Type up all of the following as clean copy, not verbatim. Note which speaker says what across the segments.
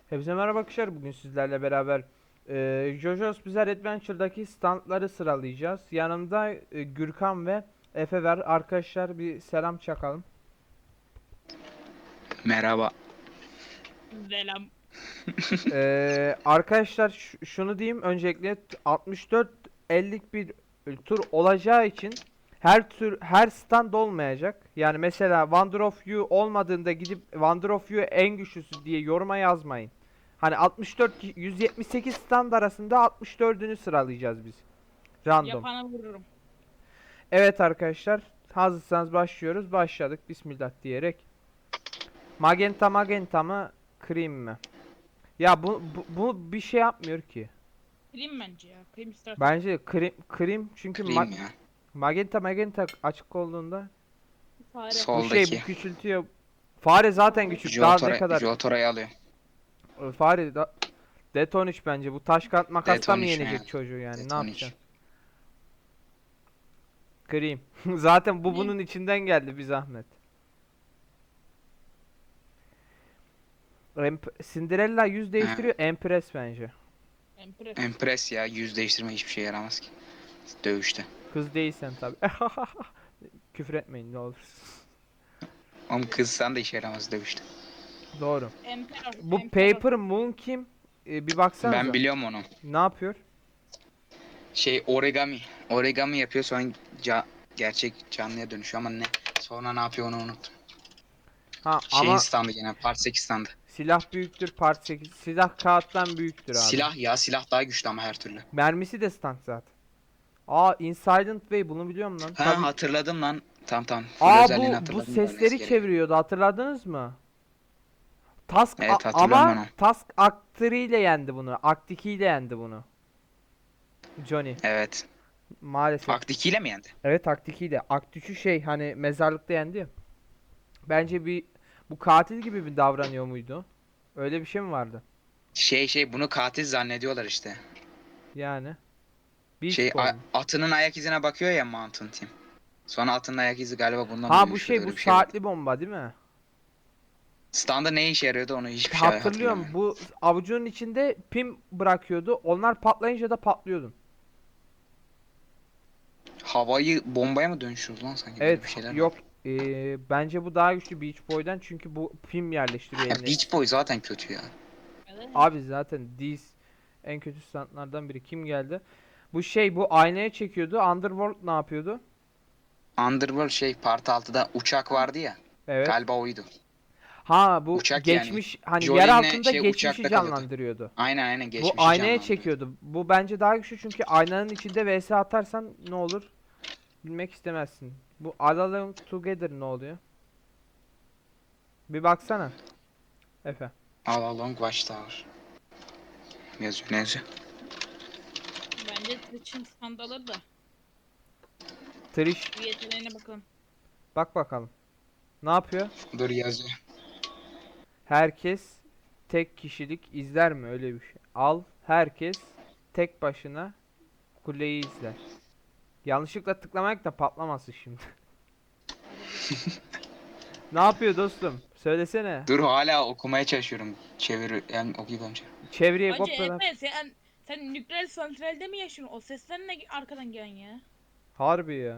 Speaker 1: Hepinize merhaba arkadaşlar. Bugün sizlerle beraber JoJo's Bizarre Adventure'daki standları sıralayacağız. Yanımda Gürkan ve Efe var. Arkadaşlar bir selam çakalım.
Speaker 2: Merhaba.
Speaker 3: Selam.
Speaker 1: Arkadaşlar şunu diyeyim öncelikle 64-50'lik bir tur olacağı için her stand olmayacak. Yani mesela Wonder of You olmadığında gidip Wonder of You en güçlüsü diye yoruma yazmayın. Hani 178 stand arasında 64'ünü sıralayacağız biz. Random.
Speaker 3: Yapana vururum.
Speaker 1: Evet arkadaşlar, hazırsanız başlıyoruz. Başladık bismillah diyerek. Magenta mı, cream mi? Ya bu bir şey yapmıyor ki.
Speaker 3: Krim bence ya. Krim istersen.
Speaker 1: Bence cream çünkü
Speaker 2: Klim ya.
Speaker 1: magenta açık olduğunda
Speaker 3: Fare.
Speaker 1: bu
Speaker 2: Soldaki.
Speaker 1: küçültüyor. Fare zaten küçük. Daha ne kadar?
Speaker 2: Jotora'yı alıyor.
Speaker 1: Fare da Det 13 bence. Bu taş kağıt makasla mı
Speaker 2: Det 13
Speaker 1: yenecek
Speaker 2: yani.
Speaker 1: çocuğu yani?
Speaker 2: Det
Speaker 1: Ne
Speaker 2: 13.
Speaker 1: yapacaksın? Cream. Zaten bu
Speaker 3: Cream.
Speaker 1: bunun içinden geldi bir zahmet. Cinderella yüz değiştiriyor. Empress bence.
Speaker 3: Empress.
Speaker 2: Empress ya. Yüz değiştirme hiçbir şey yaramaz ki. Dövüşte.
Speaker 1: Kız değilsen tabi. Küfür etmeyin ne olur.
Speaker 2: Oğlum kızsan da işe yaramaz dövüşte.
Speaker 1: Doğru.
Speaker 3: Emperor.
Speaker 1: Bu
Speaker 3: Emperor.
Speaker 1: Paper Moon kim? Bir baksanıza.
Speaker 2: Ben biliyorum onu.
Speaker 1: Ne yapıyor?
Speaker 2: Şey origami. Origami yapıyor sonra gerçek canlıya dönüşüyor ama ne? Sonra ne yapıyor onu unuttum.
Speaker 1: Ha
Speaker 2: Şeyin
Speaker 1: ama
Speaker 2: standı gene. Part 8 standı.
Speaker 1: silah büyüktür part 8. Silah kağıttan büyüktür abi.
Speaker 2: Silah ya. Silah daha güçlü ama her türlü.
Speaker 1: Mermisi de stank zaten. Aa Insilent Way bunu biliyorum lan.
Speaker 2: Ha
Speaker 1: Tabii.
Speaker 2: hatırladım lan. Tamam. Full
Speaker 1: Aa
Speaker 2: özelliğini
Speaker 1: bu
Speaker 2: hatırladım.
Speaker 1: sesleri
Speaker 2: Ölmesi gerek.
Speaker 1: çeviriyordu hatırladınız mı? Task
Speaker 2: Evet, hatırlıyorum ben
Speaker 1: ama
Speaker 2: onu.
Speaker 1: Task Act'ı ile yendi bunu. Act 2 ile yendi bunu. Johnny
Speaker 2: Evet.
Speaker 1: maalesef.
Speaker 2: Akt 2 ile mi yendi?
Speaker 1: Evet Act 2 ile. Act 3'ü şey hani mezarlıkta yendi ya. Bence bu katil gibi bir davranıyor muydu? Öyle bir şey mi vardı?
Speaker 2: Bunu katil zannediyorlar işte.
Speaker 1: Yani. Beach
Speaker 2: Şey
Speaker 1: Boy mu?
Speaker 2: atının ayak izine bakıyor ya Mountain Team. Sonra atının ayak izi galiba bundan
Speaker 1: Ha
Speaker 2: mı
Speaker 1: bu
Speaker 2: düşüyordu,
Speaker 1: şey bu
Speaker 2: öyle bir şey vardı.
Speaker 1: saatli bomba değil mi?
Speaker 2: Standa ne işe yarıyordu onu hiçbir şey
Speaker 1: Hatırlıyorum.
Speaker 2: hatırlamıyorum.
Speaker 1: Bu avucunun içinde pim bırakıyordu. Onlar patlayınca da patlıyordun.
Speaker 2: Havayı bombaya mı dönüşüyordu lan sanki böyle
Speaker 1: Evet
Speaker 2: bir şeyler
Speaker 1: yok
Speaker 2: var.
Speaker 1: bence bu daha güçlü Beach Boy'dan çünkü bu pim yerleştiriyor
Speaker 2: Ya
Speaker 1: eline.
Speaker 2: Beach Boy zaten kötü ya.
Speaker 3: Evet.
Speaker 1: Abi zaten Diz en kötü standlardan biri. Kim geldi? Bu şey bu aynaya çekiyordu. Underworld ne yapıyordu?
Speaker 2: Underworld Part 6'da uçak vardı ya.
Speaker 1: Evet.
Speaker 2: Galiba oydu.
Speaker 1: Ha bu
Speaker 2: Uçak yani.
Speaker 1: geçmiş hani yer
Speaker 2: Jolin'le
Speaker 1: altında geçmişi
Speaker 2: uçakta kalıyordu.
Speaker 1: canlandırıyordu.
Speaker 2: Aynen
Speaker 1: Bu
Speaker 2: geçmişi
Speaker 1: aynaya
Speaker 2: canlandırıyordu.
Speaker 1: çekiyordu. Bu bence daha güçlü çünkü aynanın içinde vs atarsan ne olur? Bilmek istemezsin. Bu Alone Together ne oluyor? Bir baksana. Efe.
Speaker 2: All Along Watchtower. Yazıyor ne yazıyor?
Speaker 3: Bence Twitch'in skandalı da.
Speaker 1: Trish
Speaker 3: Bir yeteneğine bakalım.
Speaker 1: bak bakalım. Ne yapıyor?
Speaker 2: Dur yazıyor.
Speaker 1: Herkes tek kişilik izler mi öyle bir şey? Al herkes tek başına kuleyi izler. Yanlışlıkla tıklamak da patlamasın şimdi. Ne yapıyor dostum? Söylesene.
Speaker 2: Dur hala okumaya çalışıyorum. Yani okuyacağım.
Speaker 1: Çevreye
Speaker 3: Bence
Speaker 1: kopyala.
Speaker 3: Efe sen nükleer santralde mi yaşıyorsun? O sesler ne arkadan gelen ya?
Speaker 1: Harbi ya.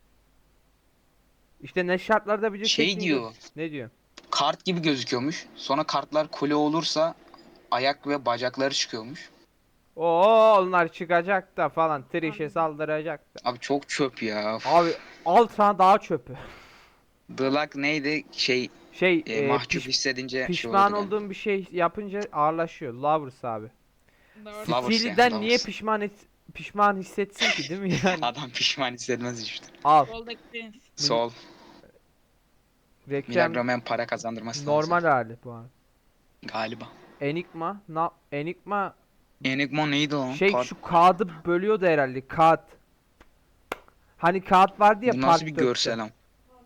Speaker 1: İşte ne şartlarda video
Speaker 2: Şey
Speaker 1: çektiğini
Speaker 2: diyor.
Speaker 1: Ne diyor?
Speaker 2: Kart gibi gözüküyormuş. Sonra kartlar kule olursa ayak ve bacakları çıkıyormuş.
Speaker 1: Oo onlar çıkacak da falan. Trish'e saldıracak da.
Speaker 2: Abi çok çöp ya. Of.
Speaker 1: Abi al sana daha çöpü.
Speaker 2: The Luck neydi? Mahcup hissedince
Speaker 1: pişman
Speaker 2: oluyordu galiba.
Speaker 1: olduğum bir şey yapınca ağırlaşıyor. Lovers abi.
Speaker 3: Doğru.
Speaker 2: Lovers
Speaker 1: Steely'den
Speaker 2: yani,
Speaker 1: niye
Speaker 2: Lovers.
Speaker 1: pişman hissetsin ki değil mi yani?
Speaker 2: Adam pişman hissetmez işte.
Speaker 1: Al.
Speaker 3: Soldaki Prince.
Speaker 2: Sol.
Speaker 1: Reklam
Speaker 2: Milagro para kazandırması
Speaker 1: normal
Speaker 2: lazım.
Speaker 1: hali bu abi.
Speaker 2: Galiba.
Speaker 1: Enigma
Speaker 2: Enigma neydi o?
Speaker 1: şey şu kağıdı bölüyordu herhalde. Kağıt. Hani kağıt vardı ya
Speaker 2: Bu
Speaker 1: part
Speaker 2: nasıl bir
Speaker 1: 4'te.
Speaker 2: görsel ama?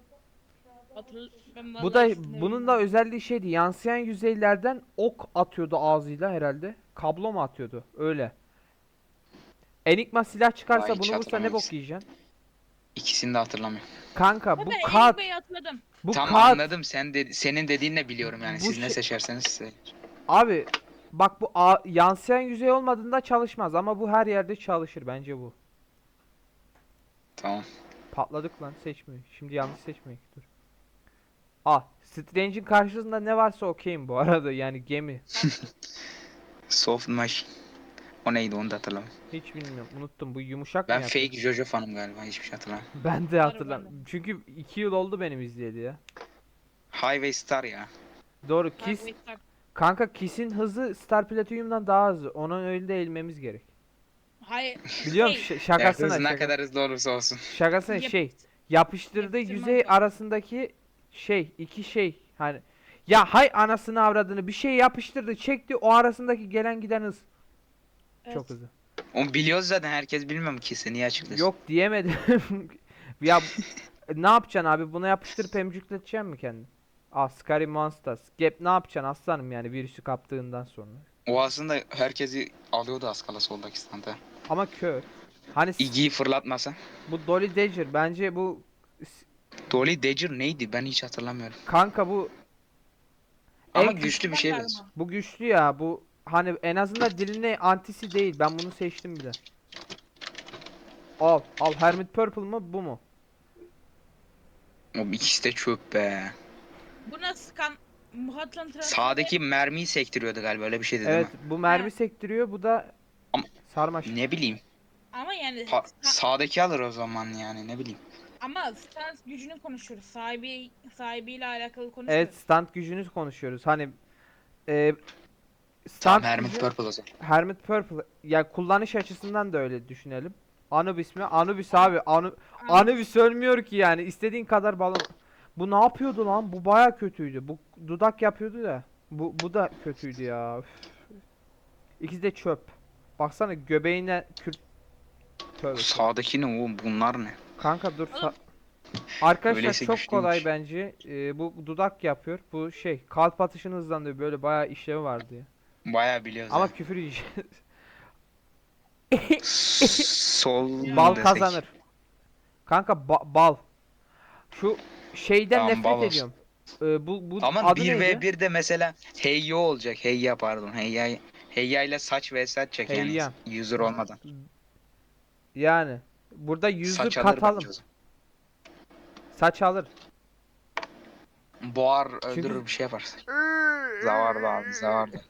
Speaker 3: Ben
Speaker 1: Bu
Speaker 3: vallahi
Speaker 1: da
Speaker 3: ikisini de
Speaker 1: bunun da
Speaker 3: bilmiyorum.
Speaker 1: özelliği şeydi. Yansıyan yüzeylerden ok atıyordu ağzıyla herhalde. Kablo mu atıyordu? Öyle. Enigma silah çıkarsa
Speaker 2: Vay, hiç
Speaker 1: bunu vursa ne
Speaker 2: hatırlamıyorum.
Speaker 1: bok yiyeceksin?
Speaker 2: İkisini de hatırlamıyorum.
Speaker 1: Kanka
Speaker 3: Ha,
Speaker 1: bu
Speaker 3: ben
Speaker 1: kağıt.
Speaker 3: Enigma'yı hatırladım.
Speaker 1: Bu
Speaker 2: Tam
Speaker 1: kağıt.
Speaker 2: anladım. Senin dediğini de biliyorum yani.
Speaker 1: Bu
Speaker 2: Siz ne
Speaker 1: şey-
Speaker 2: seçerseniz size.
Speaker 1: Abi Bak bu yansıyan yüzey olmadığında çalışmaz ama bu her yerde çalışır bence bu.
Speaker 2: Tamam.
Speaker 1: Patladık lan, seçmiyor. Şimdi yanlış seçmeyin. Dur. Strange'in karşısında ne varsa okeyim bu arada, yani gemi.
Speaker 2: Soft Machine. O neydi onu da hatırlamıyorum.
Speaker 1: Hiç bilmiyorum, unuttum. Bu yumuşak mı
Speaker 2: Ben
Speaker 1: yapıyor?
Speaker 2: fake Jojo fanım galiba, hiçbir şey hatırlamıyorum.
Speaker 1: Ben de
Speaker 3: Var
Speaker 1: hatırlamıyorum. Çünkü 2 yıl oldu benim izleyeli ya.
Speaker 2: Highway Star ya.
Speaker 1: Doğru,
Speaker 3: Highway
Speaker 1: Kiss.
Speaker 3: Star.
Speaker 1: Kanka Kiss'in hızı Star Platinum'dan daha hızlı. Onun öyle de eğilmemiz gerek.
Speaker 3: Hayır.
Speaker 1: Biliyorum
Speaker 3: şey,
Speaker 2: Ya
Speaker 1: şakasına
Speaker 2: hız ne
Speaker 1: şaka.
Speaker 2: kadar hızlı olursa olsun.
Speaker 1: Şakasına
Speaker 3: Yap-
Speaker 1: yapıştırdığı
Speaker 3: yapıştırmam
Speaker 1: yüzey
Speaker 3: lazım.
Speaker 1: arasındaki iki şey hani, ya hay anasını avradını, bir şey yapıştırdı çekti, o arasındaki gelen giden hız
Speaker 3: Evet.
Speaker 1: çok hızlı.
Speaker 2: Onu biliyoruz zaten, herkes bilmiyor mu ki, sen niye açıklıyorsun?
Speaker 1: Yok diyemedim. Ya ne yapacaksın abi, buna yapıştırıp emcükleteceksin mi kendini? Scary Monsters. Gap ne yapacaksın aslanım, yani virüsü kaptığından sonra.
Speaker 2: O aslında herkesi alıyordu az kala soldaki standa.
Speaker 1: Ama kör. Hani
Speaker 2: Iggy'yi fırlatmasa.
Speaker 1: bu Dolly Dagger bence bu
Speaker 2: Dolly Dagger neydi, ben hiç hatırlamıyorum.
Speaker 1: kanka bu
Speaker 2: Ama
Speaker 1: en
Speaker 2: güçlü bir şey
Speaker 3: Galiba.
Speaker 2: benziyor.
Speaker 1: bu güçlü ya, bu hani en azından diline antisi değil. Ben bunu seçtim bile. Al Hermit Purple mı bu mu?
Speaker 2: O ikisi de çöp be.
Speaker 3: Bu nasıl kan? Muhatlan transferi.
Speaker 2: Sağdaki mermiyi sektiriyordu galiba, öyle bir şeydi değil
Speaker 1: Evet,
Speaker 2: mi?
Speaker 1: bu mermi sektiriyor, bu da
Speaker 2: Ama-
Speaker 1: sarmaş.
Speaker 2: Ne bileyim.
Speaker 3: Ama yani
Speaker 2: Sağdaki alır o zaman yani, ne bileyim.
Speaker 3: ama stans gücünü konuşuyoruz. Sahibiyle alakalı konuşmuyoruz.
Speaker 1: Evet, stand gücünü konuşuyoruz. Hani e,
Speaker 2: Tamam,
Speaker 1: stand
Speaker 2: Hermit
Speaker 1: gücü
Speaker 2: Purple o zaman.
Speaker 1: Hermit Purple. Ya kullanış açısından da öyle düşünelim. Anubis mi? Anubis abi. Anubis ölmüyor ki yani. İstediğin kadar balon. Bu ne yapıyordu lan? Bu baya kötüydü. Bu dudak yapıyordu da. Bu da kötüydü ya. Üf. İkisi de çöp. Baksana göbeğine Tövbe tövbe.
Speaker 2: Sağdaki ne oğlum, bunlar ne?
Speaker 1: Kanka dur.
Speaker 3: Oğlum.
Speaker 1: Arkadaşlar
Speaker 2: Öyleyse
Speaker 1: çok kolay
Speaker 2: güçlüymüş.
Speaker 1: bence. Bu dudak yapıyor. Bu kalp atışını hızlandırıyor. Böyle bayağı işlevi vardı ya.
Speaker 2: Bayağı biliyoruz
Speaker 1: Ama
Speaker 2: ya.
Speaker 1: küfür yiyeceğiz.
Speaker 2: Sol
Speaker 1: Bal
Speaker 2: desek.
Speaker 1: kazanır. Kanka bal. Şu şeyden
Speaker 2: Tamam,
Speaker 1: nefret
Speaker 2: bal olsun.
Speaker 1: ediyorum. Bu
Speaker 2: Ama
Speaker 1: adı neydi?
Speaker 2: 1v1'de mesela Heyya olacak. Heyya pardon. Heyya ile saç vs atacak yani.
Speaker 1: Heyya.
Speaker 2: User olmadan.
Speaker 1: Yani burada user
Speaker 2: Saç alır
Speaker 1: katalım.
Speaker 2: bence o zaman.
Speaker 1: Saç alır.
Speaker 2: Boğar,
Speaker 1: Çünkü-
Speaker 2: öldürür, bir şey yapar. Zavardı abi, zavardı.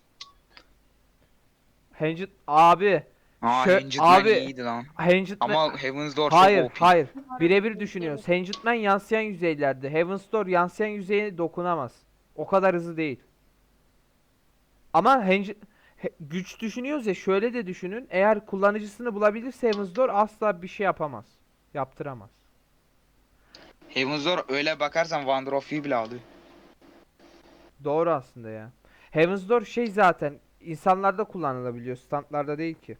Speaker 1: Hanged abi.
Speaker 2: Hanged Man
Speaker 1: Abi
Speaker 2: iyiydi lan.
Speaker 1: Hanged Man.
Speaker 2: Ama Heaven's Door
Speaker 1: Hayır,
Speaker 2: çok OP.
Speaker 1: hayır. Birebir düşünüyoruz. Hanged Man yansıyan yüzeylerde. Heaven's Door yansıyan yüzeye dokunamaz. O kadar hızlı değil. Ama güç düşünüyoruz ya, şöyle de düşünün. Eğer kullanıcısını bulabilirse Heaven's Door asla bir şey yapamaz. Yaptıramaz.
Speaker 2: Heaven's Door öyle bakarsan Wonder of You bile alıyor.
Speaker 1: Doğru aslında ya. Heaven's Door zaten insanlarda kullanılabiliyor. Standlarda değil ki.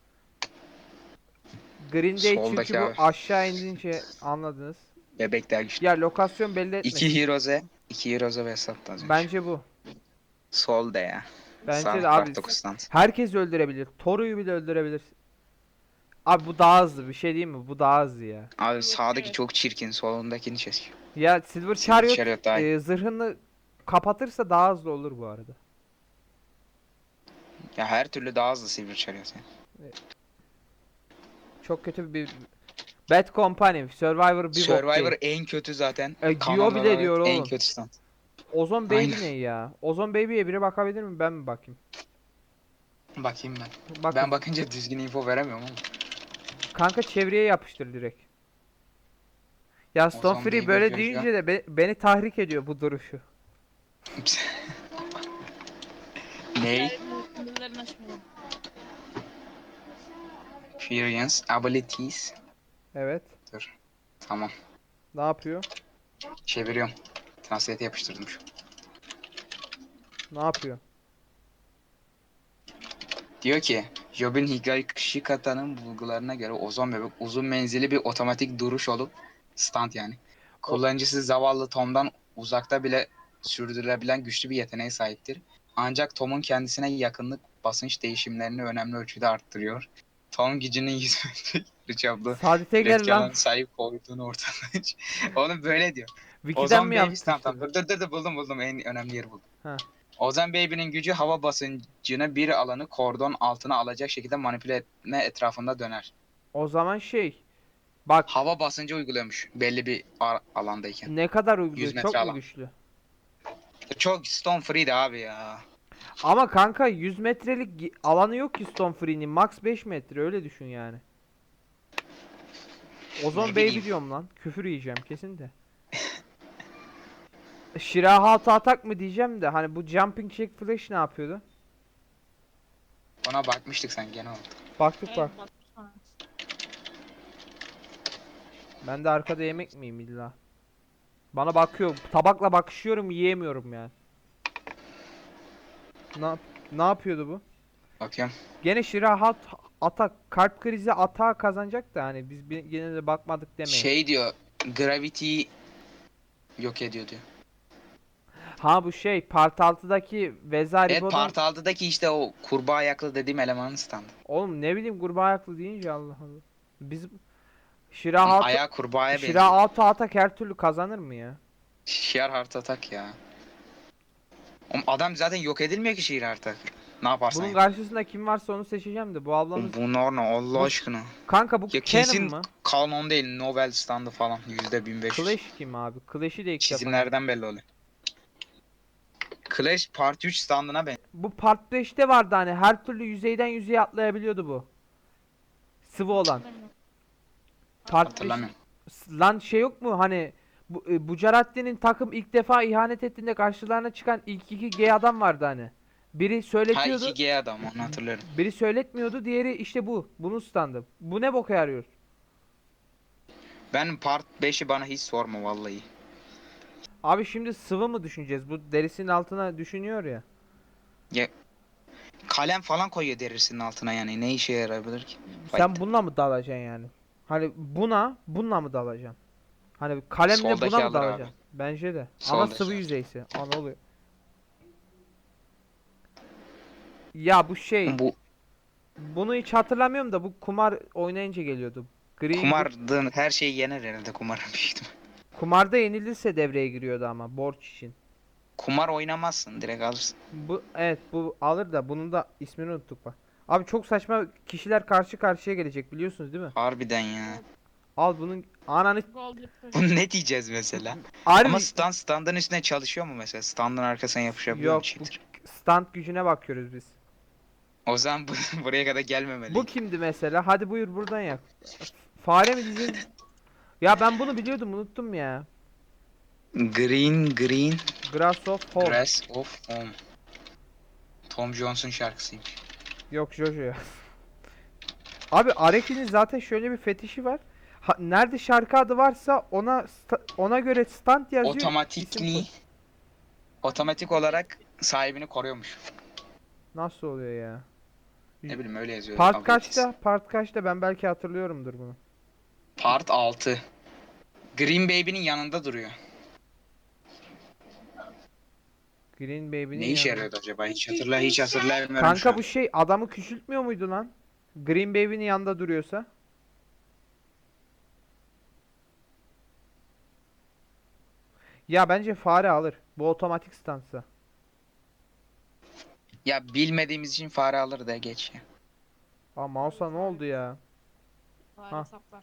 Speaker 1: Green Day
Speaker 2: Soldaki
Speaker 1: çünkü bu
Speaker 2: abi.
Speaker 1: aşağı indince anladınız.
Speaker 2: Bebekler güçlü.
Speaker 1: Ya lokasyon belli etmesin.
Speaker 2: İki Heroes'e ve sattı az önce.
Speaker 1: Bence bu.
Speaker 2: Solda ya.
Speaker 1: Bence
Speaker 2: Sağ
Speaker 1: de abi.
Speaker 2: 49 stand.
Speaker 1: Herkes öldürebilir. Toru'yu bile öldürebilir. Abi bu daha hızlı, bir şey değil mi? Bu daha hızlı ya.
Speaker 2: Abi
Speaker 3: Evet,
Speaker 2: sağdaki
Speaker 3: evet.
Speaker 2: çok çirkin, solundakini çekiyor.
Speaker 1: Ya Silver
Speaker 2: Silver
Speaker 1: Chariot,
Speaker 2: Chariot daha iyi.
Speaker 1: zırhını kapatırsa daha hızlı olur bu arada.
Speaker 2: Ya her türlü daha hızlı Silver Chariot yani.
Speaker 1: Çok kötü bir Bad Company, Survivor bir bok
Speaker 2: Survivor
Speaker 1: değil.
Speaker 2: en kötü zaten.
Speaker 1: Diyor
Speaker 2: Kanon
Speaker 1: bile
Speaker 2: olarak
Speaker 1: diyor
Speaker 2: en
Speaker 1: oğlum.
Speaker 2: kötü stand.
Speaker 1: Ozon Baby
Speaker 2: Aynen.
Speaker 1: ne ya? Ozon Baby'ye biri bakabilir mi? Ben mi bakayım?
Speaker 2: Bakayım ben.
Speaker 1: Bak.
Speaker 2: Ben bakınca düzgün info veremiyorum ama.
Speaker 1: Kanka çevreye yapıştır direkt. Ya Stone
Speaker 2: Ozon
Speaker 1: Free
Speaker 2: Baby
Speaker 1: böyle
Speaker 2: yapıyor şu
Speaker 1: deyince de beni tahrik ediyor bu duruşu.
Speaker 2: Ney?
Speaker 3: Sınırlarını aşmayalım.
Speaker 2: Experience, abilities.
Speaker 1: Evet.
Speaker 2: Dur. Tamam.
Speaker 1: Ne yapıyor?
Speaker 2: Çeviriyorum. Translate yapıştırdım şu.
Speaker 1: Ne yapıyor?
Speaker 2: Diyor ki Jobin Higashikata'nın bulgularına göre ozon bebek uzun menzilli bir otomatik duruş olup stand yani. Kullanıcısı zavallı Tom'dan uzakta bile sürdürülebilen güçlü bir yeteneğe sahiptir. Ancak Tom'un kendisine yakınlık basınç değişimlerini önemli ölçüde arttırıyor. Tom gücünün 100 metre çaplı
Speaker 1: Saadet'e gel
Speaker 2: üretken
Speaker 1: lan.
Speaker 2: alana sahip olduğunu ortaya Oğlum böyle diyor.
Speaker 1: Wiki'den
Speaker 2: Ozon
Speaker 1: mi
Speaker 2: Baby tamam
Speaker 1: yapmıştır?
Speaker 2: dur buldum en önemli yeri buldum.
Speaker 1: Ha.
Speaker 2: Ozan Baby'nin gücü hava basıncını bir alanı kordon altına alacak şekilde manipüle etme etrafında döner.
Speaker 1: O zaman bak,
Speaker 2: Hava basıncı uyguluyormuş belli bir alandayken.
Speaker 1: ne kadar
Speaker 2: 100
Speaker 1: uyguluyor,
Speaker 2: metre
Speaker 1: çok mu
Speaker 2: alan.
Speaker 1: güçlü?
Speaker 2: Çok Stone Free'di abi ya.
Speaker 1: Ama kanka 100 metrelik alanı yok ki Stone Free'nin, max 5 metre, öyle düşün yani. Ozon
Speaker 2: Ne
Speaker 1: Baby
Speaker 2: bileyim.
Speaker 1: diyorum lan, küfür yiyeceğim kesin de. Shirahatı atak mı diyeceğim de, hani bu Jumping Jack Flash ne yapıyordu?
Speaker 2: Ona bakmıştık sen gene oldu.
Speaker 1: Baktık
Speaker 3: Evet,
Speaker 1: bak.
Speaker 3: baksana.
Speaker 1: Ben de arkada yemek miyim illa? Bana bakıyor. Tabakla bakışıyorum, yiyemiyorum yani. Ne, ne yapıyordu bu?
Speaker 2: Bakıyorum.
Speaker 1: Gene Shirahat atak, kalp krizi atağı kazanacak da, hani biz gene de bakmadık demeyin.
Speaker 2: Şey diyor. Gravity'yi yok ediyor diyor.
Speaker 1: Ha bu part 6'daki
Speaker 2: Evet,
Speaker 1: Vezaribo'dan.
Speaker 2: Part 6'daki işte o kurbağa ayaklı dediğim elemanın standı.
Speaker 1: Oğlum ne bileyim, kurbağa ayaklı deyince Allah Allah. Biz Shirahat'ı
Speaker 2: Ayağı kurbağaya benziyor.
Speaker 1: Shirahat'ı atak her türlü kazanır mı ya?
Speaker 2: Sheer Heart Attack ya. Oğlum adam zaten yok edilmiyor ki Sheer Heart Attack. Ne yaparsan
Speaker 1: Bunun
Speaker 2: yap.
Speaker 1: karşısında kim varsa onu seçeceğim de, bu ablamız.
Speaker 2: Bunlar ne Allah
Speaker 1: Bu-
Speaker 2: aşkına.
Speaker 1: Kanka bu
Speaker 2: Ya
Speaker 1: Canon
Speaker 2: kesin
Speaker 1: mı?
Speaker 2: kanon değil, Nobel standı falan %1500.
Speaker 1: Clash kim abi? Clash'i de ilk defa.
Speaker 2: Çizimlerden belli oluyor. Clash Part 3 standına ben.
Speaker 1: Bu Part 5'te vardı, hani her türlü yüzeyden yüzeye atlayabiliyordu bu. Sıvı olan. Part 5.
Speaker 2: Hatırlamıyorum.
Speaker 1: Lan yok mu hani, bu Bucaratti'nin takım ilk defa ihanet ettiğinde karşılarına çıkan ilk iki gay adam vardı hani. Biri
Speaker 2: Ha,
Speaker 1: söyletiyordu,
Speaker 2: 2G adam onu hatırlıyorum.
Speaker 1: biri söyletmiyordu, diğeri işte bu. Bunun standı. Bu ne boka yarıyor?
Speaker 2: Ben Part 5'i bana hiç sorma vallahi.
Speaker 1: Abi şimdi sıvı mı düşüneceğiz? Bu derisinin altına düşünüyor ya.
Speaker 2: Ya kalem falan koyuyor derisinin altına, yani ne işe yarayabilir ki?
Speaker 1: Sen bununla mı dalacaksın yani? Hani bununla mı dalacaksın? Hani kalemle buna
Speaker 2: Soldaki
Speaker 1: mı
Speaker 2: alır abi.
Speaker 1: dalacaksın? Bence de. Ama
Speaker 2: Soldaki
Speaker 1: sıvı
Speaker 2: alır.
Speaker 1: yüzeysi. Aa, ne oluyor? Ya bu
Speaker 2: Bu
Speaker 1: bunu hiç hatırlamıyorum da, bu kumar oynayınca geliyordu.
Speaker 2: kumardığın her şeyi yener herhalde kumarın büyük ihtimal.
Speaker 1: Kumarda yenilirse devreye giriyordu ama, borç için.
Speaker 2: Kumar oynamazsın, direkt alırsın.
Speaker 1: Evet, bu alır da, bunun da ismini unuttuk bak. Abi çok saçma kişiler karşı karşıya gelecek, biliyorsunuz değil mi?
Speaker 2: Harbiden ya.
Speaker 1: Al bunun ananı.
Speaker 3: Gold Reaper.
Speaker 2: Bunu ne diyeceğiz mesela?
Speaker 1: Harbi
Speaker 2: Ama standın üstüne çalışıyor mu mesela? Standın arkasına yapışabiliyor mu
Speaker 1: yok, bu
Speaker 2: cheater?
Speaker 1: stand gücüne bakıyoruz biz.
Speaker 2: O zaman buraya kadar gelmemeli.
Speaker 1: Bu kimdi mesela? Hadi buyur buradan yap. Fare mi diyeceğiz? Ya ben bunu biliyordum, unuttum ya.
Speaker 2: Green
Speaker 1: Grass of Home.
Speaker 2: Grass of Home. Tom Jones'un şarkısıymış.
Speaker 1: Yok, Jojo ya. Abi Araki'nin zaten şöyle bir fetişi var. Nerede şarkı adı varsa ona göre stand yazıyor. isim
Speaker 2: Otomatikli
Speaker 1: koy.
Speaker 2: otomatik olarak sahibini koruyormuş.
Speaker 1: Nasıl oluyor ya?
Speaker 2: Ne bileyim öyle yazıyor.
Speaker 1: Part
Speaker 2: abilities.
Speaker 1: kaçta? Part kaçta? Ben belki hatırlıyorumdur bunu.
Speaker 2: Part 6. Green Baby'nin yanında duruyor.
Speaker 1: Green Baby'nin
Speaker 2: Ne işe
Speaker 1: yanında.
Speaker 2: yarıyordu acaba? Hiç hatırlayamıyorum şu
Speaker 1: Kanka
Speaker 2: an.
Speaker 1: bu adamı küçültmüyor muydu lan? Green Baby'nin yanında duruyorsa. Ya bence fare alır. Bu otomatik stansa.
Speaker 2: Ya bilmediğimiz için fare alır da geç ya.
Speaker 1: Aa, mouse'a ne oldu ya?
Speaker 3: Fare
Speaker 1: Ha.
Speaker 3: saplar.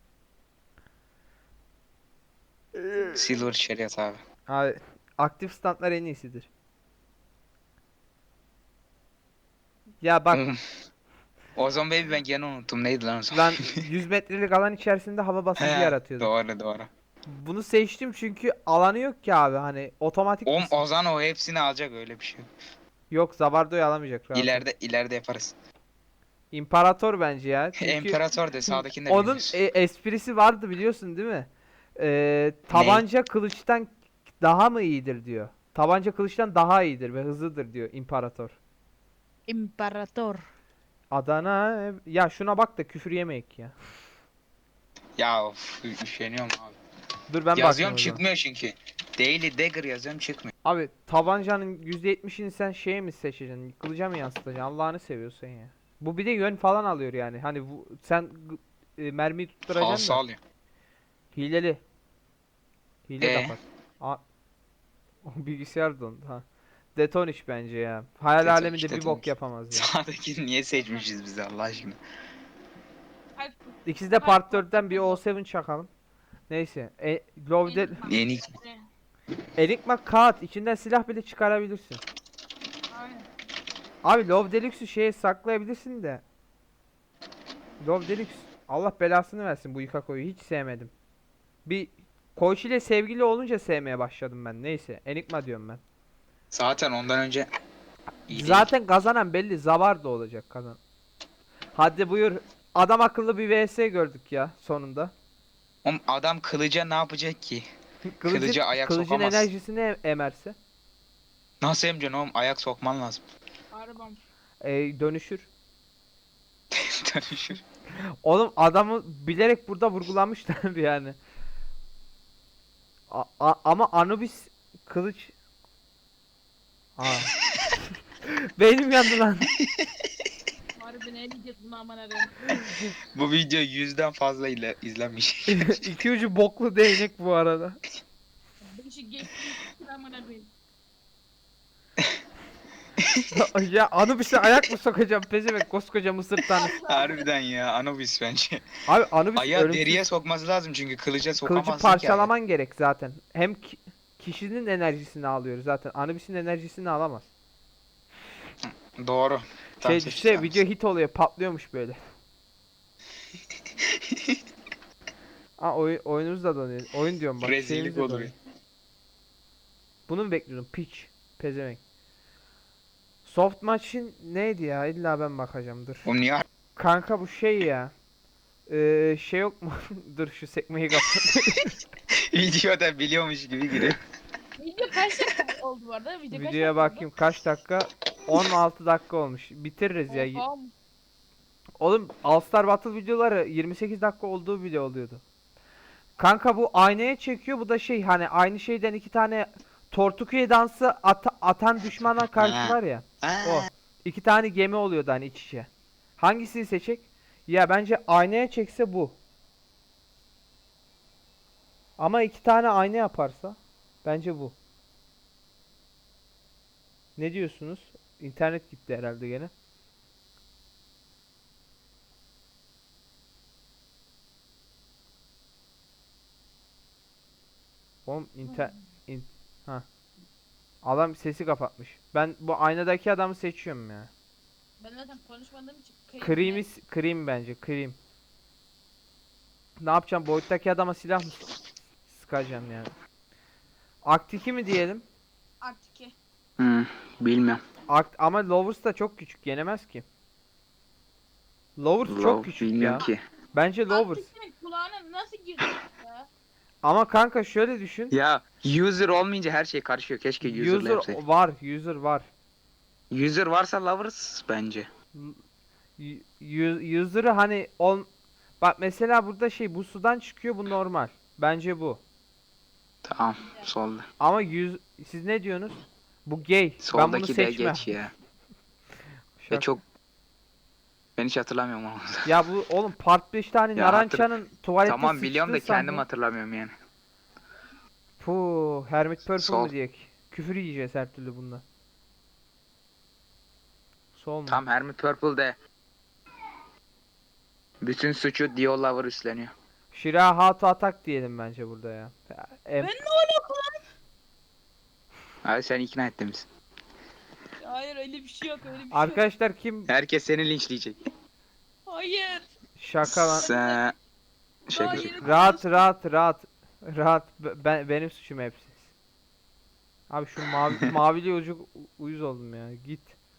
Speaker 2: Silver Chariot abi.
Speaker 1: Abi aktif standlar en iyisidir. Ya bak
Speaker 2: Ozon Baby ben gene unuttum. Neydi lan Ozon?
Speaker 1: lan, 100 metrelik alan içerisinde hava basıncı
Speaker 2: He,
Speaker 1: yaratıyordu.
Speaker 2: doğru.
Speaker 1: Bunu seçtim çünkü alanı yok ki abi, hani otomatik
Speaker 2: Oğlum Ozan o hepsini alacak, öyle bir şey yok.
Speaker 1: yok, Zabardo'yu alamayacak rahat ol.
Speaker 2: İleride yaparız.
Speaker 1: İmparator bence ya. Çünkü
Speaker 2: İmparator de sağdakini de
Speaker 1: onun
Speaker 2: bilmiyoruz.
Speaker 1: esprisi vardı, biliyorsun değil mi? Tabanca kılıçtan daha mı iyidir diyor. Tabanca kılıçtan daha iyidir ve hızlıdır diyor İmparator.
Speaker 3: İmparator.
Speaker 1: Adana ya, şuna bak da küfür yemeyek ya.
Speaker 2: Ya of, üşeniyorum abi.
Speaker 1: Dur ben bakayım
Speaker 2: Yazıyorum
Speaker 1: o zaman.
Speaker 2: çıkmıyor çünkü. Daily Dagger yazıyorum çıkmıyor.
Speaker 1: Abi tabancanın %70'ini sen mi seçeceksin? Kılıca mı yansıtacaksın? Allah'ını seviyorsan ya. Bu bir de yön falan alıyor yani. Hani sen mermiyi tutturacaksın
Speaker 2: Falsa
Speaker 1: da.
Speaker 2: alıyor.
Speaker 1: Hileli. Hile
Speaker 2: Ee?
Speaker 1: kapat. O bilgisayar dondu ha. Detoniş bence ya. Hayal
Speaker 2: Detoniş,
Speaker 1: aleminde bir bok
Speaker 2: Detoniş.
Speaker 1: yapamaz ya.
Speaker 2: Sağdakini niye seçmişiz biz Allah aşkına?
Speaker 3: Kalp-
Speaker 1: İkisi de
Speaker 3: kalp
Speaker 1: Part 4'ten bir
Speaker 3: patladı.
Speaker 1: O7 çakalım. Neyse. Lovde
Speaker 3: Enigma.
Speaker 2: Yeni
Speaker 3: Ne?
Speaker 1: Enigma kağıt. İçinden silah bile çıkarabilirsin.
Speaker 3: Aynen.
Speaker 1: Abi Love Deluxe'u şeye saklayabilirsin de. Love Deluxe Allah belasını versin bu Ikako'yu hiç sevmedim. Bir Koichi ile sevgili olunca sevmeye başladım ben. Neyse Enigma diyorum ben.
Speaker 2: zaten ondan önce iyi değil.
Speaker 1: Zaten kazanan belli. Zavar da olacak kazan. Hadi buyur. Adam akıllı bir vs gördük ya sonunda.
Speaker 2: Oğlum adam kılıca ne yapacak ki? Kılıcı ayak
Speaker 1: Kılıcın
Speaker 2: sokamaz.
Speaker 1: enerjisini emerse
Speaker 2: Nasıl emeceksin oğlum? Ayak sokman lazım.
Speaker 3: Arabam.
Speaker 1: dönüşür.
Speaker 2: Dönüşür.
Speaker 1: Oğlum adamı bilerek burada vurgulamışlar yani. Ama Anubis kılıç. Aa. Beynim yandı lan.
Speaker 3: Harbi ne diyeceğiz bunu aman arayayım.
Speaker 2: Bu video 100'den fazla ile izlenmiş.
Speaker 1: İki ucu boklu değnek bu arada.
Speaker 3: Beşi geçti. Aman arayayım.
Speaker 1: Ya Anubis'e ayak mı sokacağım pezevenk koskoca Mısır tanrısı.
Speaker 2: Harbiden ya Anubis bence.
Speaker 1: Abi Anubis
Speaker 2: Ayağı
Speaker 1: ölümsüz.
Speaker 2: deriye sokması lazım çünkü kılıca
Speaker 1: Kılıcı
Speaker 2: sokamazsın ki.
Speaker 1: parçalaman gerek zaten. Hem kişinin enerjisini alıyor zaten. Anubis'in enerjisini alamaz.
Speaker 2: ayağı. Doğru. Tam
Speaker 1: Şey
Speaker 2: seçti
Speaker 1: işte
Speaker 2: Anubis.
Speaker 1: video hit oluyor patlıyormuş böyle. Aa oyunumuz da donuyor. Oyun diyorum bak.
Speaker 2: Rezillik
Speaker 1: şeyimiz de
Speaker 2: oluyor.
Speaker 1: donuyor. Bunu mu bekliyordum? Piç. Pezevenk. Soft maçın neydi ya? İlla ben bakacağım dur.
Speaker 2: Oğlum niye
Speaker 1: Kanka bu şey ya. Şey yok mu? Dur şu sekmeyi kapat.
Speaker 2: videoda biliyormuş gibi giriyor.
Speaker 3: Video kaç dakika oldu bu arada? Video kaç
Speaker 1: Videoya
Speaker 3: dakika
Speaker 1: bakayım kaç dakika? 16 dakika olmuş. Bitiririz ya.
Speaker 3: oldu? Oha.
Speaker 1: Oğlum All Star Battle videoları 28 dakika olduğu bile oluyordu. Kanka bu aynaya çekiyor. Bu da şey hani aynı şeyden iki tane Tortukuye dansı atan düşmana karşı var ya. O. İki tane gemi oluyordu hani iç içe. Hangisini seçecek? Ya bence aynaya çekse bu. Ama iki tane ayna yaparsa bence bu. Ne diyorsunuz? İnternet gitti herhalde gene. Oğlum ha. Adam sesi kapatmış. Ben bu aynadaki adamı seçiyorum ya.
Speaker 3: Ben zaten konuşmadığım için
Speaker 1: Cream bence. Cream. Ne yapacağım? Boyuttaki adama silah mı sıkacağım yani? Aktiki mi diyelim?
Speaker 3: Artık ki.
Speaker 2: Bilmiyorum.
Speaker 1: Ama Lovers da çok küçük. Yenemez ki. Lovers çok küçük ya.
Speaker 2: ki.
Speaker 1: Bence Lovers.
Speaker 3: Artık senin kulağına nasıl girdi ya?
Speaker 1: Ama kanka şöyle düşün.
Speaker 2: Ya user olmayınca her şey karışıyor. Keşke user'la
Speaker 1: User
Speaker 2: yapsaydık.
Speaker 1: var. User var.
Speaker 2: User varsa lovers bence.
Speaker 1: User'ı hani bak mesela burada şey bu sudan çıkıyor bu normal. Bence bu.
Speaker 2: Tamam. Solda.
Speaker 1: Ama siz ne diyorsunuz? Bu gay. Ben bunu
Speaker 2: Soldaki de
Speaker 1: seçmem.
Speaker 2: geç ya.
Speaker 1: Şaka.
Speaker 2: Ve çok ben hiç hatırlamıyorum onu.
Speaker 1: Ya bu oğlum Part 5 tane
Speaker 2: Ya
Speaker 1: Narança'nın tuvalette
Speaker 2: Tamam biliyorum da
Speaker 1: sıçtığı
Speaker 2: kendim
Speaker 1: sahne.
Speaker 2: hatırlamıyorum yani.
Speaker 1: Puh, Hermit Purple
Speaker 2: Sol.
Speaker 1: mu diyek? Küfür yiyeceğiz her türlü bunda. Sol mu?
Speaker 2: Tam Hermit Purple de bütün suçu Dio Lover üstleniyor.
Speaker 1: Shira How to Attack diyelim bence burada ya.
Speaker 3: Ben ne alaka lan?
Speaker 2: Abi sen ikna ettin misin?
Speaker 3: Hayır öyle bir şey yok öyle bir şey yok.
Speaker 1: Arkadaşlar kim
Speaker 2: Herkes seni linçleyecek.
Speaker 3: Hayır.
Speaker 1: şaka lan?
Speaker 2: Sen... Şaka
Speaker 3: Hayır.
Speaker 2: şaka.
Speaker 1: Rahat. Benim suçum hepsi. Abi şu mavili ucu uyuz oldum ya. Git.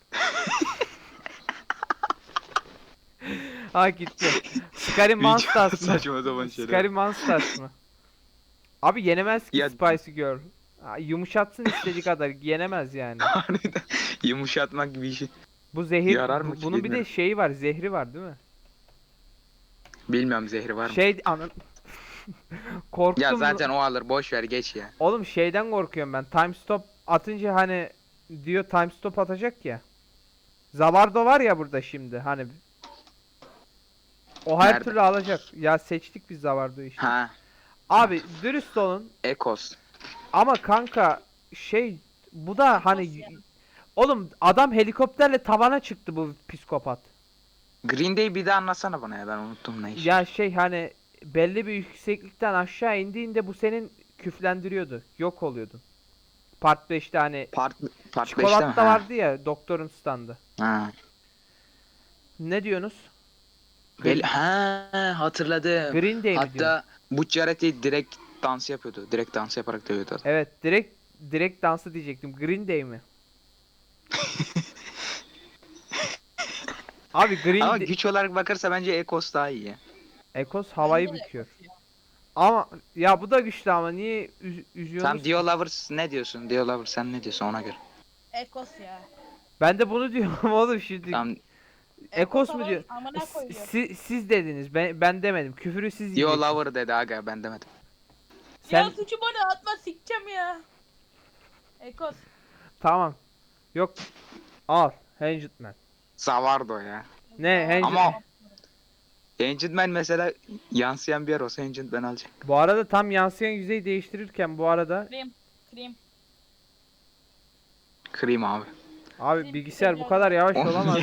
Speaker 1: Ha gitti. Scary Monsters mı?
Speaker 2: Saçma sapan şeyler.
Speaker 1: Scary Monsters mı? Abi yenemez ki
Speaker 2: Ya-
Speaker 1: Spicy Girl. Yumuşatsın istediği kadar yenemez yani.
Speaker 2: Harbiden yumuşatmak gibi işi.
Speaker 1: Bu zehir
Speaker 2: Yarar mı ki
Speaker 1: bunun bir de
Speaker 2: bilmiyorum.
Speaker 1: şeyi var, zehri var değil mi?
Speaker 2: Bilmiyorum zehri var mı?
Speaker 1: Şey anın korktum.
Speaker 2: Ya zaten o alır boş ver geç ya.
Speaker 1: Oğlum şeyden korkuyorum ben. Time stop atınca hani diyor time stop atacak ya. Zavardo var ya burada şimdi hani. O her
Speaker 2: Nerede?
Speaker 1: türlü alacak. Ya seçtik biz Zavardo'yu işte.
Speaker 2: Ha,
Speaker 1: Abi dürüst olun.
Speaker 2: Ekos.
Speaker 1: Ama kanka şey bu da hani
Speaker 3: Ekos ya.
Speaker 1: oğlum adam helikopterle tavana çıktı bu psikopat.
Speaker 2: Green Day bir daha anlatsana bana ya, ben unuttum ne iş.
Speaker 1: Ya şey hani belli bir yükseklikten aşağı indiğinde bu senin küflendiriyordu. Yok oluyordun. Part 5'te hani
Speaker 2: Part 5'te mi?
Speaker 1: çikolata
Speaker 2: Ha.
Speaker 1: vardı ya doktorun standı.
Speaker 2: Ha.
Speaker 1: Ne diyorsunuz?
Speaker 2: Ha, hatırladım.
Speaker 1: Green Day mi diyorsun?
Speaker 2: Hatta bu Jared'i direkt dans yapıyordu. Direkt dans yaparak dövüyordu adam.
Speaker 1: Evet direkt dansı diyecektim. Green Day mi? Abi Green
Speaker 2: Ama
Speaker 1: Day
Speaker 2: güç olarak bakarsa bence Ekos daha iyi ya.
Speaker 1: Ekos havayı
Speaker 3: Bence de
Speaker 1: büküyor.
Speaker 3: Ekos ya.
Speaker 1: Ama ya bu da güçlü ama niye üzüyorsunuz
Speaker 2: Sen
Speaker 1: ki?
Speaker 2: Dio Lovers ne diyorsun? Dio Lovers sen ne diyorsun ona göre?
Speaker 3: Ekos ya.
Speaker 1: Ben de bunu diyorum oğlum şimdi.
Speaker 2: Tam
Speaker 1: Ekos mu
Speaker 3: ama
Speaker 1: diyor?
Speaker 3: Amına koyuyor.
Speaker 1: Siz dediniz. Ben demedim. Küfürü siz
Speaker 2: Dio
Speaker 1: yiyeceksiniz.
Speaker 2: Lover dedi aga, ben demedim.
Speaker 1: Sen
Speaker 3: Ya suçu bana atma, sikeceğim ya. Ekos.
Speaker 1: tamam. Yok. Al. Hanged Man.
Speaker 2: Zavardo ya.
Speaker 1: Ne Hanged
Speaker 2: Ama-
Speaker 1: Man?
Speaker 2: Ancient Man mesela yansıyan bir yer olsa Ancient Man alacak.
Speaker 1: Bu arada tam yansıyan yüzeyi değiştirirken bu arada
Speaker 3: Krim.
Speaker 2: Cream abi.
Speaker 1: abi
Speaker 3: Benim
Speaker 1: bilgisayar bu
Speaker 3: güzel
Speaker 1: kadar yavaş
Speaker 2: Oğlum,
Speaker 1: olamaz.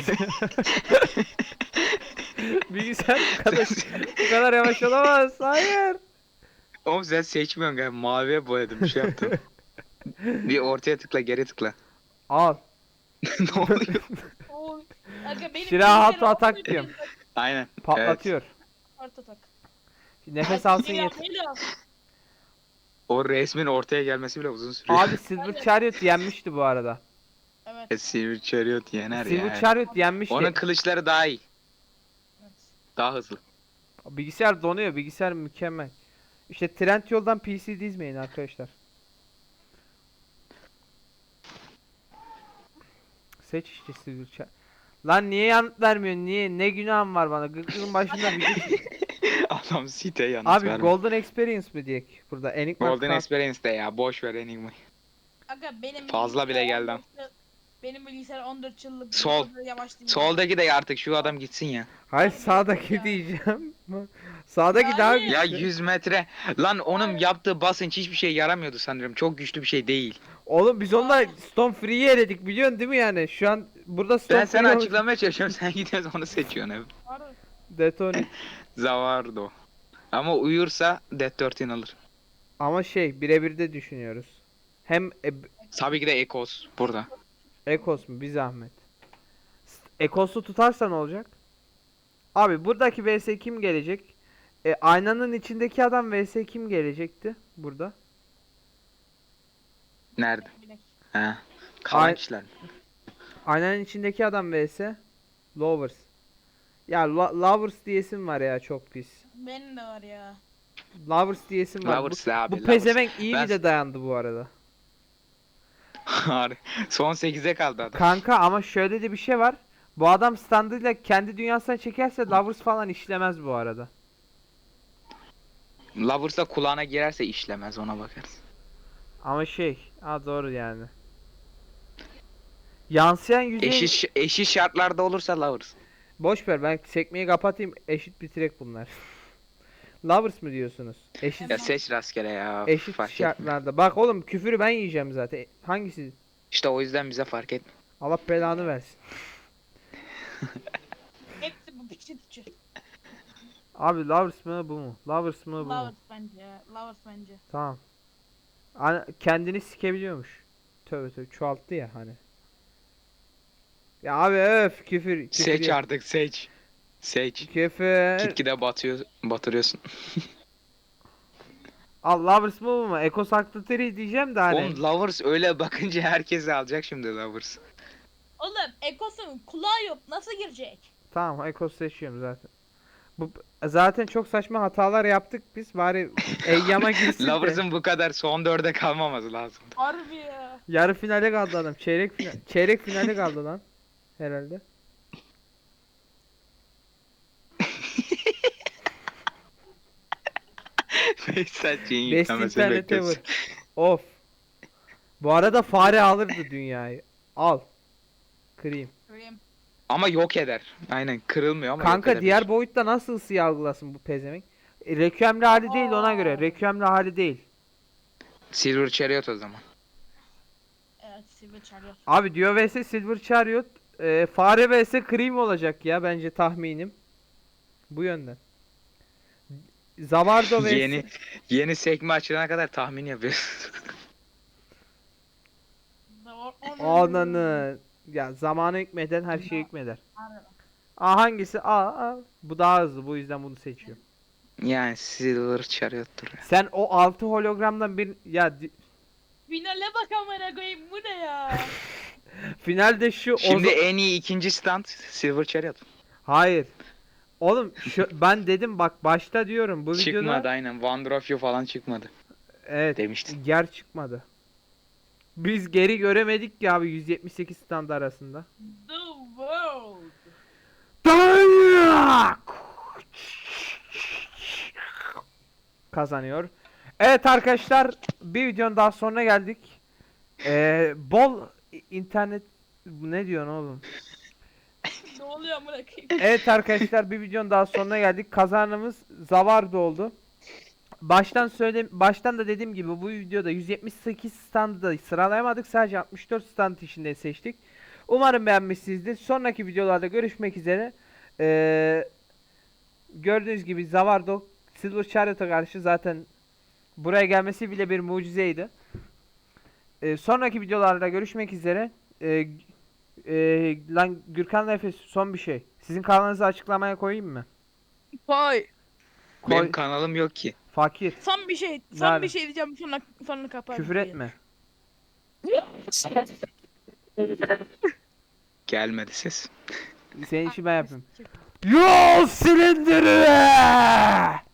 Speaker 1: Bilgisayar bu kadar yavaş olamaz. Hayır.
Speaker 2: Oğlum sen seçmiyorsun galiba. Maviye boyadım, bir şey yaptım. Bir ortaya tıkla, geri tıkla.
Speaker 1: Al.
Speaker 2: Ne oluyor?
Speaker 3: Oy. Aga benim
Speaker 1: Silahı
Speaker 3: bilgisayarı
Speaker 1: atak
Speaker 3: okuyup
Speaker 1: diyorum.
Speaker 2: Aynen.
Speaker 1: Patlatıyor.
Speaker 3: Art atak.
Speaker 1: Nefes alsın
Speaker 3: Helal,
Speaker 1: yeter.
Speaker 3: helal.
Speaker 2: O resmin ortaya gelmesi bile uzun sürüyor.
Speaker 1: Abi Silver Chariot yenmişti bu arada.
Speaker 3: Evet.
Speaker 2: Silver Chariot yener
Speaker 1: Silver
Speaker 2: ya.
Speaker 1: Chariot yenmişti.
Speaker 2: Onun kılıçları daha iyi.
Speaker 3: Evet.
Speaker 2: Daha hızlı.
Speaker 1: Bilgisayar donuyor. Bilgisayar mükemmel. İşte Trendyol'dan PC dizmeyin arkadaşlar. Seç işte Silver Chariot. Lan niye yanıt vermiyorsun? Niye? Ne günahım var bana? Gırgırın başında video.
Speaker 2: Adam site yanıt
Speaker 1: Abi
Speaker 2: vermiyor.
Speaker 1: Golden Experience mi diyek burada? Enigma
Speaker 2: Golden
Speaker 1: kart-
Speaker 2: Experience de ya. Boş ver Enigma'yı.
Speaker 3: Aga benim
Speaker 2: Fazla bile
Speaker 3: bilgisayar
Speaker 2: geldi
Speaker 3: 14 yıl- Benim bilgisayar 14 yıllık
Speaker 2: Sol.
Speaker 3: bir yavaş değil.
Speaker 2: Soldaki de artık şu adam gitsin ya.
Speaker 1: Hayır
Speaker 3: Abi,
Speaker 1: sağdaki
Speaker 3: ya.
Speaker 1: diyeceğim. Sağdaki daha
Speaker 3: Hayır.
Speaker 1: güçlü.
Speaker 2: Ya 100 metre. Lan onun yaptığı basınç hiçbir şey yaramıyordu sanırım. Çok güçlü bir şey değil.
Speaker 1: Oğlum biz onunla Stone Free'yi eledik biliyorsun değil mi yani? Şu an burada Stone
Speaker 2: Ben sana
Speaker 1: Free olmuş.
Speaker 2: açıklamaya çalışıyorum. Sen gidiyorsun onu seçiyorsun hep.
Speaker 3: Harbi.
Speaker 1: Detonate.
Speaker 2: Zavardo. Ama uyursa Death 13 alır.
Speaker 1: Ama şey birebir de düşünüyoruz. Hem
Speaker 2: Tabii ki de Ekos burada.
Speaker 1: Ekos mu bir zahmet. Ekos'u tutarsa ne olacak? Abi buradaki vs kim gelecek? Aynanın içindeki adam vs kim gelecekti burada?
Speaker 2: Nerede?
Speaker 3: Bilek.
Speaker 2: He. Kalan
Speaker 1: Ay-
Speaker 2: kişiler.
Speaker 1: Aynanın içindeki adam vs Lovers. Ya Lovers diyesim var ya çok pis.
Speaker 3: Benim de var ya.
Speaker 1: Lovers diyesim var.
Speaker 2: Lovers abi.
Speaker 1: Bu
Speaker 2: Lovers.
Speaker 1: pezevenk iyi
Speaker 2: Ben-
Speaker 1: bir de dayandı bu arada.
Speaker 2: Harbi. Son 8'e kaldı adam.
Speaker 1: Kanka ama şöyle de bir şey var. Bu adam standıyla kendi dünyasına çekerse Lovers falan işlemez bu arada.
Speaker 2: Lovers'da kulağına girerse işlemez, ona bakarız.
Speaker 1: Ama şey, doğru yani. Yansıyan yüzey
Speaker 2: Eşit şartlarda olursa Lovers.
Speaker 1: boş ver ben sekmeyi kapatayım eşit bitirek bunlar. Lovers mı diyorsunuz? Eşit
Speaker 2: Ya seç rastgele ya.
Speaker 1: eşit
Speaker 2: Fark etmiyor.
Speaker 1: şartlarda. Bak oğlum küfürü ben yiyeceğim zaten. Hangisi?
Speaker 2: İşte o yüzden bize fark etmiyor.
Speaker 1: Allah belanı versin.
Speaker 3: Hepsi bu piçi piçi.
Speaker 1: Abi Lovers mı bu mu? Lovers mı bu mu?
Speaker 3: Lovers bence. Lovers bence.
Speaker 1: Tamam. Kendini sikebiliyormuş. Tövbe tövbe çoğalttı ya hani. Ya abi öf küfür
Speaker 2: Seç
Speaker 1: yok.
Speaker 2: artık, seç. Seç.
Speaker 1: Küfür.
Speaker 2: Gitgide batırıyorsun.
Speaker 1: Al Lovers mı bu mu? Eko Saklateri diyeceğim de hani.
Speaker 2: Oğlum Lovers öyle bakınca herkes alacak şimdi Lovers.
Speaker 3: Oğlum Ekos'un kulağı yok. Nasıl girecek?
Speaker 1: Tamam Eko seçiyorum zaten. Bu zaten çok saçma hatalar yaptık biz. Bari Eyyam'a girsin de.
Speaker 2: Lovers'ın bu kadar son 4'e kalmaması lazım.
Speaker 3: Harbi ya.
Speaker 1: Yarı finale kaldı adam. Çeyrek finale kaldı lan. Herhalde.
Speaker 2: Behzatçı'nın
Speaker 1: Best
Speaker 2: yüklemesini
Speaker 1: internet
Speaker 2: bekliyoruz.
Speaker 1: ever. Of. Bu arada fare alırdı dünyayı. Al. Kırayım.
Speaker 3: Krim.
Speaker 2: Ama yok eder. Aynen, kırılmıyor ama yok
Speaker 1: Kanka
Speaker 2: edebilir.
Speaker 1: diğer boyutta nasıl ısıyı algılasın bu pezevenk? Requiem'li hali değil ona göre. Requiem'li hali değil.
Speaker 2: Silver Chariot o zaman.
Speaker 3: Evet. Silver Chariot.
Speaker 1: Abi Dio vs Silver Chariot fare vs Cream olacak ya bence tahminim. Bu yönden. Zavardo vs
Speaker 2: Yeni sekme açılana kadar tahmin yapıyoruz.
Speaker 1: Ananı. Ya zamanı hükmeden her şey hükmeder. A hangisi? A. Bu daha hızlı, bu yüzden bunu seçiyorum.
Speaker 2: Yani Silver Chariot'tur.
Speaker 1: Sen o 6 hologramdan bir ya
Speaker 3: Finale bak amına koyayım, bu ne ya?
Speaker 1: finalde şu
Speaker 2: Şimdi en iyi ikinci stand Silver Chariot.
Speaker 1: Hayır. Oğlum ben dedim bak başta diyorum bu
Speaker 2: Çıkmadı
Speaker 1: videoda
Speaker 2: aynen. Wonder of You falan çıkmadı.
Speaker 1: evet
Speaker 2: demiştin.
Speaker 1: yer çıkmadı. Biz geri göremedik ya abi 178 stand arasında.
Speaker 3: The world.
Speaker 1: Kazanıyor. Evet arkadaşlar bir videonun daha sonuna geldik. Bol internet ne diyorsun oğlum?
Speaker 3: Ne oluyor amına koyayım?
Speaker 1: Evet arkadaşlar bir videonun daha sonuna geldik. Kazanımız Zavardo oldu. Baştan da dediğim gibi bu videoda 178 standı da sıralayamadık. Sadece 64 stand içinde seçtik. Umarım beğenmişsinizdir. Sonraki videolarda görüşmek üzere. Gördüğünüz gibi Zavardo Silver Chariot'a karşı zaten buraya gelmesi bile bir mucizeydi. Sonraki videolarda görüşmek üzere. Lan Gürkan'la Efes son bir şey. Sizin kanalınızı açıklamaya koyayım mı?
Speaker 3: Koy.
Speaker 2: Benim
Speaker 1: Koy.
Speaker 2: kanalım yok ki.
Speaker 1: Fakir.
Speaker 3: Son bir şey
Speaker 1: Nerede?
Speaker 3: diyeceğim, sonra kapat.
Speaker 1: Küfür etme.
Speaker 2: Gelmedi ses.
Speaker 1: Senin işi ben yapayım. Yol silindiri!